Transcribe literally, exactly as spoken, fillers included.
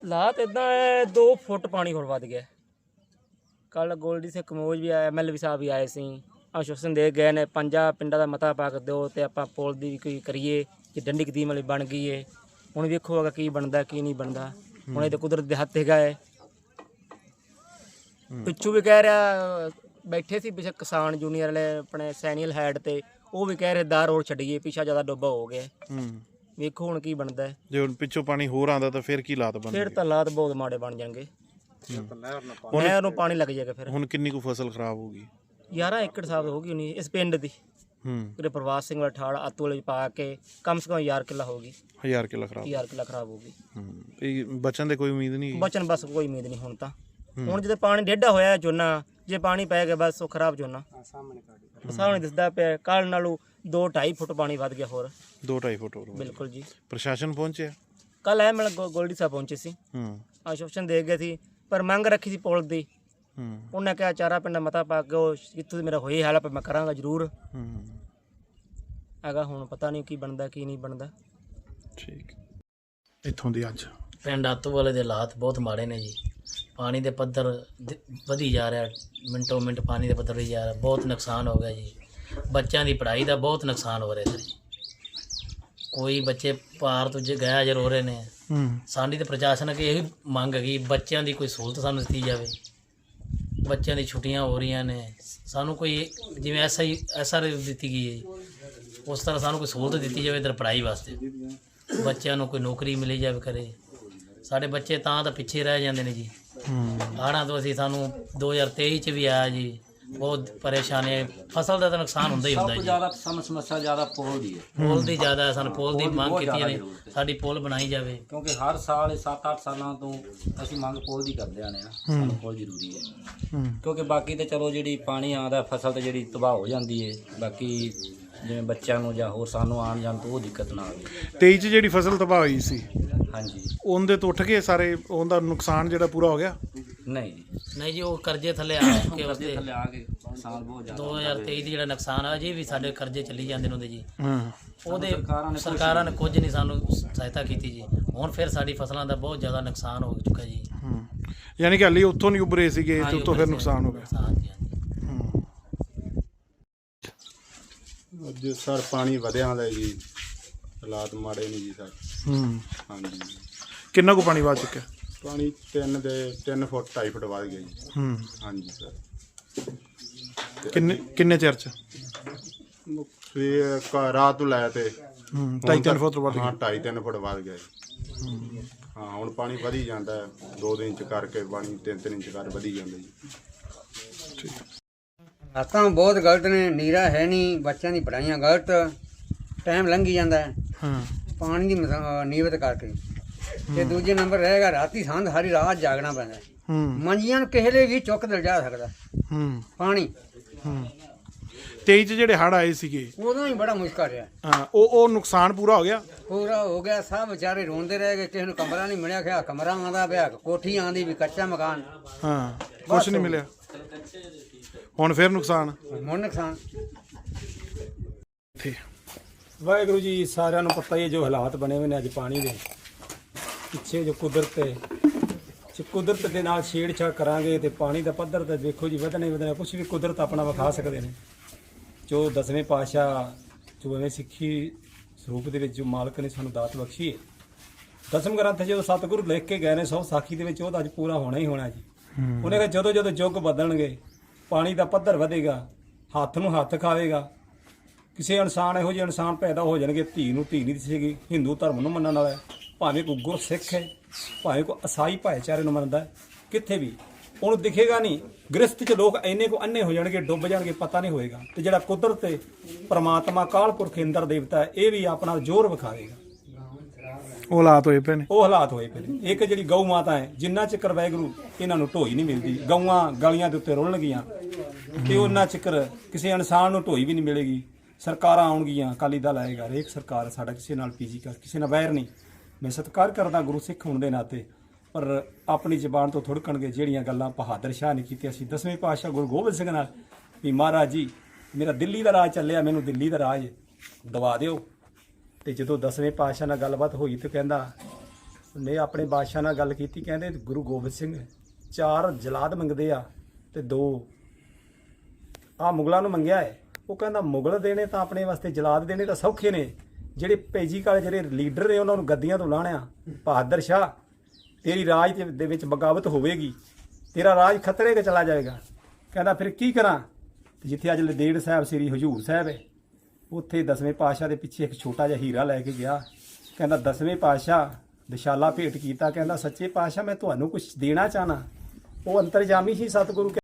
ਹਾਲਾਤ ਇੱਦਾਂ ਹੈ, ਦੋ ਫੁੱਟ ਪਾਣੀ ਹੋਰ ਵੱਧ ਗਿਆ। ਕੱਲ੍ਹ ਗੋਲਡੀ ਸਿੰਘ ਕਮੋਜ ਵੀ ਆਇਆ, ਐਮ ਐਲ ਏ ਸਾਹਿਬ ਵੀ ਆਏ ਸੀ, ਆਸ਼ਵਾਸਨ ਦੇ ਗਏ ਨੇ ਪੰਜਾਂ ਪਿੰਡਾਂ ਦਾ ਮਤਾ ਪਾ ਕੇ ਦਿਓ ਅਤੇ ਆਪਾਂ ਪੁਲ ਦੀ ਕੋਈ ਕਰੀਏ ਕਿ ਡੰਡੀ ਕਦੀਮ ਵਾਲੀ ਬਣ ਗਈ ਹੈ। ਹੁਣ ਵੇਖੋ ਅਗਾ ਕੀ ਬਣਦਾ ਕੀ ਨਹੀਂ ਬਣਦਾ। ਹੁਣ ਇਹ ਤਾਂ ਕੁਦਰਤ ਦੇ ਹੱਥ ਹੈਗਾ ਹੈ। ਪਿੱਛੋਂ ਵੀ ਕਹਿ ਰਿਹਾ, ਬੈਠੇ ਸੀ ਪਿੱਛੇ ਕਿਸਾਨ ਜੂਨੀਅਰ ਵਾਲੇ ਆਪਣੇ ਸੈਨੀਅਲ ਹੈਡ ਤੇ, ਉਹ ਵੀ ਕਹਿ ਰਹੇ ਦਾਰ ਰੋਡ ਛੱਡੀਏ, ਪਿੱਛਾ ਜ਼ਿਆਦਾ ਡੁੱਬਾ ਹੋ ਗਿਆ। ਵੇਖੋ ਹੁਣ ਕੀ ਬਣਦਾ ਹੈ। ਜੇ ਹੁਣ ਪਿੱਛੋਂ ਪਾਣੀ ਹੋਰ ਆਉਂਦਾ ਤਾਂ ਫਿਰ ਕੀ ਹਾਲਾਤ ਬਣਦੇ? ਫਿਰ ਤਾਂ ਹਾਲਾਤ ਬਹੁਤ ਮਾੜੇ ਬਣ ਜਾਣਗੇ। ਨਹਿਰ ਨੂੰ ਪਾਣੀ ਲੱਗ ਜਾਏਗਾ ਫਿਰ। ਹੁਣ ਕਿੰਨੀ ਕੁ ਫਸਲ ਖਰਾਬ ਹੋ ਗਈ? ਗਿਆਰਾਂ ਏਕੜ ਸਾਬ ਹੋ ਗਈ ਹੋਣੀ ਇਸ ਪਿੰਡ ਦੀ। ਹੂੰ ਪ੍ਰਵਾਸ ਸਿੰਘ ਵਾਲਾ ਠਾੜ ਆਤੂ ਵਾਲੇ ਪਾ ਕੇ ਕਮ ਸੇ ਕਮ ਹਜ਼ਾਰ ਕਿੱਲਾ ਹੋ ਗਈ। ਹਜ਼ਾਰ ਕਿੱਲਾ ਖਰਾਬ ਹਜ਼ਾਰ ਕਿੱਲਾ ਖਰਾਬ ਹੋ ਗਈ। ਹੂੰ ਇਹ ਬਚਣ ਦੇ ਕੋਈ ਉਮੀਦ ਨਹੀਂ? ਬਚਣ ਬਸ ਕੋਈ ਉਮੀਦ ਨਹੀਂ ਹੁਣ ਤਾਂ। ਹੁਣ ਜਦੋਂ ਪਾਣੀ ਡੇਢਾ ਹੋਇਆ ਝੋਨਾ, ਜੇ ਪਾਣੀ ਪੈ ਗਿਆ ਬਸ ਉਹ ਖਰਾਬ ਝੋਨਾ ਸਾਹਮਣੇ ਦਿਸਦਾ ਪਿਆ। ਕੱਲ੍ਹ ਨਾਲੋਂ ਦੋ ਢਾਈ ਫੁੱਟ ਪਾਣੀ ਵੱਧ ਗਿਆ ਹੋਰ। ਦੋ ਢਾਈ ਫੁੱਟ ਹੋਰ? ਬਿਲਕੁਲ ਜੀ। ਪ੍ਰਸ਼ਾਸਨ ਪਹੁੰਚਿਆ? ਕੱਲ੍ਹ ਐ ਮਤਲਬ ਗੋਲਡੀ ਸਾਹਿਬ ਪਹੁੰਚੇ ਸੀ, ਆਸ਼ਵਾਸਨ ਦੇ ਗਏ ਸੀ, ਪਰ ਮੰਗ ਰੱਖੀ ਸੀ ਪੁਲ ਦੀ। ਉਹਨੇ ਕਿਹਾ ਚਾਰਾ ਪਿੰਡ ਮਤਾ ਪਾ ਕੇ ਉਹ ਜਿੱਥੋਂ ਮੇਰਾ ਹੋਈ ਹੈਲਪ ਮੈਂ ਕਰਾਂਗਾ ਜ਼ਰੂਰ ਹੈਗਾ। ਹੁਣ ਪਤਾ ਨਹੀਂ ਕੀ ਬਣਦਾ ਕੀ ਨਹੀਂ ਬਣਦਾ। ਠੀਕ। ਇੱਥੋਂ ਦੀ ਅੱਜ ਪਿੰਡ ਆਤੂ ਵਾਲੇ ਦੇ ਹਾਲਾਤ ਬਹੁਤ ਮਾੜੇ ਨੇ ਜੀ। ਪਾਣੀ ਦੇ ਪੱਧਰ ਵਧੀ ਜਾ ਰਿਹਾ, ਮਿੰਟੋ ਮਿੰਟ ਪਾਣੀ ਦੇ ਪੱਧਰ ਵਧੀ ਜਾ ਰਿਹਾ। ਬਹੁਤ ਨੁਕਸਾਨ ਹੋ ਗਿਆ ਜੀ। ਬੱਚਿਆਂ ਦੀ ਪੜ੍ਹਾਈ ਦਾ ਬਹੁਤ ਨੁਕਸਾਨ ਹੋ ਰਿਹਾ ਜੀ। ਕੋਈ ਬੱਚੇ ਪਾਰ ਤੋਂ ਜੇ ਗਿਆ ਜਰ ਹੋ ਰਹੇ ਨੇ। ਸਾਡੀ ਤਾਂ ਪ੍ਰਸ਼ਾਸਨ ਅੱਗੇ ਇਹੀ ਮੰਗ ਹੈਗੀ, ਬੱਚਿਆਂ ਦੀ ਕੋਈ ਸਹੂਲਤ ਸਾਨੂੰ ਦਿੱਤੀ ਜਾਵੇ। ਬੱਚਿਆਂ ਦੀ ਛੁੱਟੀਆਂ ਹੋ ਰਹੀਆਂ ਨੇ, ਸਾਨੂੰ ਕੋਈ ਜਿਵੇਂ ਐਸ ਆਈ ਐਸ ਆਰ ਦਿੱਤੀ ਗਈ ਹੈ ਉਸ ਤਰ੍ਹਾਂ ਸਾਨੂੰ ਕੋਈ ਸਹੂਲਤ ਦਿੱਤੀ ਜਾਵੇ ਇੱਧਰ ਪੜ੍ਹਾਈ ਵਾਸਤੇ। ਬੱਚਿਆਂ ਨੂੰ ਕੋਈ ਨੌਕਰੀ ਮਿਲੀ ਜਾਵੇ ਕਰੇ। ਸਾਡੇ ਬੱਚੇ ਤਾਂ ਤਾਂ ਪਿੱਛੇ ਰਹਿ ਜਾਂਦੇ ਨੇ ਜੀ। ਹੜ੍ਹਾਂ ਤੋਂ ਅਸੀਂ ਸਾਨੂੰ ਦੋ ਹਜ਼ਾਰ ਤੇਈ 'ਚ ਵੀ ਆਇਆ ਜੀ, ਬਹੁਤ ਪਰੇਸ਼ਾਨੀ। ਫਸਲ ਦਾ ਤਾਂ ਨੁਕਸਾਨ ਹੁੰਦਾ ਹੀ ਹੁੰਦਾ ਜੀ। ਜ਼ਿਆਦਾ ਸਮੱਸਿਆ ਜ਼ਿਆਦਾ ਪੁਲ ਦੀ ਹੈ। ਪੁਲ ਦੀ ਜ਼ਿਆਦਾ ਸਾਨੂੰ ਪੁਲ ਦੀ ਮੰਗ ਕੀਤੀ ਨੇ, ਸਾਡੀ ਪੁਲ ਬਣਾਈ ਜਾਵੇ। ਕਿਉਂਕਿ ਹਰ ਸਾਲ ਸੱਤ ਅੱਠ ਸਾਲਾਂ ਤੋਂ ਅਸੀਂ ਮੰਗ ਪੁਲ ਦੀ ਕਰਦੇ ਆਏ ਹਾਂ। ਸਾਨੂੰ ਪੁਲ ਜ਼ਰੂਰੀ ਹੈ ਕਿਉਂਕਿ ਬਾਕੀ ਤਾਂ ਚਲੋ ਜਿਹੜੀ ਪਾਣੀ ਆਉਂਦਾ ਫਸਲ ਤਾਂ ਜਿਹੜੀ ਤਬਾਹ ਹੋ ਜਾਂਦੀ ਹੈ। ਬਾਕੀ ਜਿਵੇਂ ਬੱਚਿਆਂ ਨੂੰ ਜਾਂ ਹੋਰ ਸਾਨੂੰ ਆਉਣ ਜਾਣ ਤੋਂ ਉਹ ਦਿੱਕਤ ਨਾ ਆਵੇ। ਤੇਈ 'ਚ ਜਿਹੜੀ ਫਸਲ ਤਬਾਹ ਹੋਈ ਸੀ, ਹਾਂਜੀ, ਉਹਦੇ ਤੋਂ ਉੱਠ ਕੇ ਸਾਰੇ ਉਹਦਾ ਨੁਕਸਾਨ ਜਿਹੜਾ ਪੂਰਾ ਹੋ ਗਿਆ? ਨਹੀਂ ਜੀ ਨਹੀਂ ਜੀ, ਉਹ ਕਰਜ਼ੇ ਥੱਲੇ ਆ ਕੇ ਵਾਸਤੇ ਥੱਲੇ ਆ ਕੇ ਸਾਲ ਬਹੁਤ ਜ਼ਿਆਦਾ ਦੋ ਹਜ਼ਾਰ ਤੇਈ ਦੀ ਜਿਹੜਾ ਨੁਕਸਾਨ ਆ ਅਜੇ ਵੀ ਸਾਡੇ ਕਰਜ਼ੇ ਚੱਲੀ ਜਾਂਦੇ ਨੇ ਉਹਦੇ ਜੀ। ਉਹਦੇ ਸਰਕਾਰਾਂ ਨੇ ਕੁਝ ਨਹੀਂ ਸਾਨੂੰ ਸਹਾਇਤਾ ਕੀਤੀ ਜੀ। ਹੁਣ ਫਿਰ ਸਾਡੀ ਫਸਲਾਂ ਦਾ ਬਹੁਤ ਜ਼ਿਆਦਾ ਨੁਕਸਾਨ ਹੋ ਚੁੱਕਾ ਜੀ। ਯਾਨੀ ਕਿ ਹਾਲੇ ਉੱਥੋਂ ਨਹੀਂ ਉੱਭਰੇ ਸੀਗੇ ਤੇ ਉੱਥੋਂ ਫਿਰ ਨੁਕਸਾਨ ਹੋ ਗਿਆ। ਅੱਜ ਸਰ ਪਾਣੀ ਵਧਿਆ ਹੁੰਦਾ ਜੀ, ਹਾਲਾਤ ਮਾੜੇ ਨਹੀਂ ਜੀ ਸਰ। ਹੂੰ ਹਾਂਜੀ। ਕਿੰਨਾ ਕੁ ਪਾਣੀ ਵੱਧ ਚੁੱਕਿਆ? ਪਾਣੀ ਤਿੰਨ ਦੇ ਤਿੰਨ ਫੁੱਟ ਢਾਈ ਫੁੱਟ ਵੱਧ ਗਿਆ ਜੀ। ਹੂੰ ਹਾਂਜੀ ਸਰ। ਕਿੰਨੇ ਕਿੰਨੇ ਚਿਰ 'ਚ? ਸਵੇਰ ਰਾਤ ਤੋਂ ਲੈ ਤੇ ਹੂੰ ਢਾਈ ਤਿੰਨ ਫੁੱਟ ਵੱਧ ਗਿਆ। ਹਾਂ ਢਾਈ ਤਿੰਨ ਫੁੱਟ ਵੱਧ ਗਿਆ ਜੀ। ਹਾਂ ਹੁਣ ਪਾਣੀ ਵਧੀ ਜਾਂਦਾ, ਦੋ ਦਿਨ ਇੰਚ ਕਰਕੇ ਪਾਣੀ ਤਿੰਨ ਤਿੰਨ ਇੰਚ ਕਰ ਵਧੀ ਜਾਂਦਾ ਜੀ। ਠੀਕ। ਹਾਲਾਤਾਂ ਬਹੁਤ ਗਲਤ ਨੇ, ਨੀਰਾ ਹੈ ਨਹੀਂ, ਬੱਚਿਆਂ ਦੀ ਪੜ੍ਹਾਈਆਂ ਗਲਤ, ਟਾਈਮ ਲੰਘੀ ਜਾਂਦਾ ਹੈ ਪਾਣੀ ਦੀ ਨੀਵਤ ਕਰਕੇ। ਤੇ ਦੂਜੇ ਨੰਬਰ ਰਹੇਗਾ ਰਾਤੀ ਸੰਧ ਸਾਰੀ ਰਾਤ ਜਾਗਣਾ ਪੈਂਦਾ। ਮੰਜੀਆਂ ਨੂੰ ਕਿਸੇ ਲਈ ਵੀ ਚੁੱਕ ਦਿਲ ਜਾ ਸਕਦਾ ਪਾਣੀ। ਤੇਈ 'ਚ ਜਿਹੜੇ ਹੜ੍ਹ ਆਏ ਸੀਗੇ ਉਦੋਂ ਹੀ ਬੜਾ ਮੁਸ਼ਕਲ ਰਿਹਾ। ਹਾਂ ਉਹ ਉਹ ਨੁਕਸਾਨ ਪੂਰਾ ਹੋ ਗਿਆ? ਪੂਰਾ ਹੋ ਗਿਆ। ਸਭ ਵਿਚਾਰੇ ਰੋਂਦੇ ਰਹਿ ਗਏ। ਕਿਸੇ ਨੂੰ ਕਮਰਾ ਨਹੀਂ ਮਿਲਿਆ, ਖਿਆ ਕਮਰਾ ਆਉਂਦਾ ਪਿਆ, ਕੋਠੀ ਆਉਂਦੀ ਵੀ, ਕੱਚਾ ਮਕਾਨ। ਹਾਂ ਕੁਛ ਨਹੀਂ ਮਿਲਿਆ। ਹੁਣ ਫਿਰ ਨੁਕਸਾਨ ਹੁਣ ਨੁਕਸਾਨ। ਵਾਹਿਗੁਰੂ ਜੀ, ਸਾਰਿਆਂ ਨੂੰ ਪਤਾ ਹੀ ਹੈ ਜੋ ਹਾਲਾਤ ਬਣੇ ਹੋਏ ਨੇ ਅੱਜ ਪਾਣੀ ਦੇ ਪਿੱਛੇ। ਜੋ ਕੁਦਰਤ ਹੈ, ਕੁਦਰਤ ਦੇ ਨਾਲ ਛੇੜਛਾੜ ਕਰਾਂਗੇ ਤੇ ਪਾਣੀ ਦਾ ਪੱਧਰ ਤਾਂ ਦੇਖੋ ਜੀ ਵਧਣਾ ਹੀ ਵਧਣਾ। ਕੁਛ ਵੀ ਕੁਦਰਤ ਆਪਣਾ ਵਿਖਾ ਸਕਦੇ ਨੇ। ਜੋ ਦਸਵੇਂ ਪਾਤਸ਼ਾਹ ਜੋ ਐਵੇਂ ਸਿੱਖੀ ਸਰੂਪ ਦੇ ਵਿੱਚ ਜੋ ਮਾਲਕ ਨੇ ਸਾਨੂੰ ਦਾਤ ਬਖਸ਼ੀ ਹੈ, ਦਸਮ ਗ੍ਰੰਥ ਜਦੋਂ ਸਤਿਗੁਰੂ ਲਿਖ ਕੇ ਗਏ ਨੇ ਸੌ ਸਾਖੀ ਦੇ ਵਿੱਚ, ਉਹ ਤਾਂ ਅੱਜ ਪੂਰਾ ਹੋਣਾ ਹੀ ਹੋਣਾ ਜੀ। ਉਹਨੇ ਕਿਹਾ ਜਦੋਂ ਜਦੋਂ ਯੁੱਗ ਬਦਲਣਗੇ ਪਾਣੀ ਦਾ ਪੱਧਰ ਵਧੇਗਾ, ਹੱਥ ਨੂੰ ਹੱਥ ਖਾਵੇਗਾ। ਕਿਸੇ ਇਨਸਾਨ ਇਹੋ ਜਿਹੇ ਇਨਸਾਨ ਪੈਦਾ ਹੋ ਜਾਣਗੇ, ਧੀ ਨੂੰ ਧੀ ਨਹੀਂ ਦਿਸੇਗੀ। ਹਿੰਦੂ ਧਰਮ ਨੂੰ ਮੰਨਣ ਵਾਲਾ, ਭਾਵੇਂ ਕੋਈ ਗੁਰਸਿੱਖ ਹੈ, ਭਾਵੇਂ ਕੋਈ ਈਸਾਈ ਭਾਈਚਾਰੇ ਨੂੰ ਮੰਨਦਾ, ਕਿੱਥੇ ਵੀ ਉਹਨੂੰ ਦਿਖੇਗਾ ਨਹੀਂ। ਗ੍ਰਸਤ 'ਚ ਲੋਕ ਇੰਨੇ ਕੁ ਅੰਨੇ ਹੋ ਜਾਣਗੇ, ਡੁੱਬ ਜਾਣਗੇ, ਪਤਾ ਨਹੀਂ ਹੋਏਗਾ। ਤੇ ਜਿਹੜਾ ਕੁਦਰਤ ਹੈ, ਪਰਮਾਤਮਾ ਕਾਲ ਪੁਰਖ ਇੰਦਰ ਦੇਵਤਾ, ਇਹ ਵੀ ਆਪਣਾ ਜ਼ੋਰ ਵਿਖਾਵੇਗਾ। ਉਹ ਹਾਲਾਤ ਹੋਏ ਪਏ ਨੇ। ਉਹ ਹਾਲਾਤ ਹੋਏ ਪਏ ਨੇ। ਇੱਕ ਜਿਹੜੀ ਗਊ ਮਾਤਾ ਹੈ, ਜਿੰਨਾ ਚਿਕਰ ਵਾਹਿਗੁਰੂ ਇਹਨਾਂ ਨੂੰ ਢੋਈ ਨਹੀਂ ਮਿਲਦੀ, ਗਊਆਂ ਗਲੀਆਂ ਦੇ ਉੱਤੇ ਰੁਲਣਗੀਆਂ ਤੇ ਉਹਨਾਂ ਚਿਕਰ ਕਿਸੇ ਇਨਸਾਨ ਨੂੰ ਢੋਈ ਵੀ ਨਹੀਂ ਮਿਲੇਗੀ। ਸਰਕਾਰਾਂ ਆਉਣਗੀਆਂ, ਅਕਾਲੀ ਦਲ ਆਏਗਾ, ਹਰੇਕ ਸਰਕਾਰ ਸਾਡਾ ਕਿਸੇ ਨਾਲ ਪੀਜੀ ਕਰ, ਕਿਸੇ ਨਾਲ ਵੈਰ ਨਹੀਂ। ਮੈਂ ਸਤਿਕਾਰ ਕਰਦਾ ਗੁਰੂ ਸਿੱਖ ਹੋਣ ਦੇ ਨਾਤੇ, ਪਰ ਆਪਣੀ ਜ਼ਬਾਨ ਤੋਂ ਥੁੜਕਣਗੇ ਜਿਹੜੀਆਂ ਗੱਲਾਂ ਬਹਾਦਰ ਸ਼ਾਹ ਨੇ ਕੀਤੀਆਂ ਸੀ ਦਸਵੇਂ ਪਾਤਸ਼ਾਹ ਗੁਰੂ ਗੋਬਿੰਦ ਸਿੰਘ ਨਾਲ, ਵੀ ਮਹਾਰਾਜ ਜੀ ਮੇਰਾ ਦਿੱਲੀ ਦਾ ਰਾਜ ਚੱਲਿਆ, ਮੈਨੂੰ ਦਿੱਲੀ ਦਾ ਰਾਜ ਦਵਾ ਦਿਓ। ਤੇ ਜਦੋਂ ਦਸਵੇਂ ਪਾਤਸ਼ਾਹ ਨਾਲ ਗੱਲਬਾਤ ਹੋਈ ਤੇ ਕਹਿੰਦਾ ਨੇ ਆਪਣੇ ਬਾਦਸ਼ਾਹ ਨਾਲ ਗੱਲ ਕੀਤੀ, ਕਹਿੰਦੇ ਗੁਰੂ ਗੋਬਿੰਦ ਸਿੰਘ ਚਾਰ ਜਲਾਦ ਮੰਗਦੇ ਆ ਤੇ ਦੋ ਆ ਮੁਗਲਾਂ ਨੂੰ ਮੰਗਿਆ ਹੈ। ਉਹ ਕਹਿੰਦਾ ਮੁਗਲ ਦੇਣੇ ਤਾਂ ਆਪਣੇ ਵਾਸਤੇ, ਜਲਾਦ ਦੇਣੇ ਤਾਂ ਸੌਖੇ ਨੇ, ਜਿਹੜੇ ਭੇਜੀ ਕਾਲੇ ਜਿਹੜੇ ਲੀਡਰ ਨੇ ਉਹਨਾਂ ਨੂੰ ਗੱਦੀਆਂ ਤੋਂ ਲਾਹਣਿਆ। ਬਹਾਦਰ ਸ਼ਾਹ ਤੇਰੀ ਰਾਜ ਦੇ- ਦੇ ਵਿੱਚ ਬਗਾਵਤ ਹੋਵੇਗੀ, ਤੇਰਾ ਰਾਜ ਖਤਰੇ 'ਚ ਚਲਾ ਜਾਏਗਾ। ਕਹਿੰਦਾ ਫਿਰ ਕੀ ਕਰਾਂ? ਤੇ ਜਿੱਥੇ ਅੱਜ ਲਦੇੜ ਸਾਹਿਬ ਸ੍ਰੀ ਹਜੂਰ ਸਾਹਿਬ ਹੈ, ਉੱਥੇ ਦਸਵੇਂ ਪਾਤਸ਼ਾਹ ਦੇ ਪਿੱਛੇ ਇੱਕ ਛੋਟਾ ਜਿਹਾ ਹੀਰਾ ਲੈ ਕੇ ਗਿਆ। ਕਹਿੰਦਾ ਦਸਵੇਂ ਪਾਤਸ਼ਾਹ ਦਸ਼ਾਲਾ ਭੇਟ ਕੀਤਾ, ਕਹਿੰਦਾ ਸੱਚੇ ਪਾਤਸ਼ਾਹ ਮੈਂ ਤੁਹਾਨੂੰ ਕੁਝ ਦੇਣਾ ਚਾਹਨਾ। ਉਹ ਅੰਤਰਜਾਮੀ ਸੀ ਸਤਿਗੁਰੂ।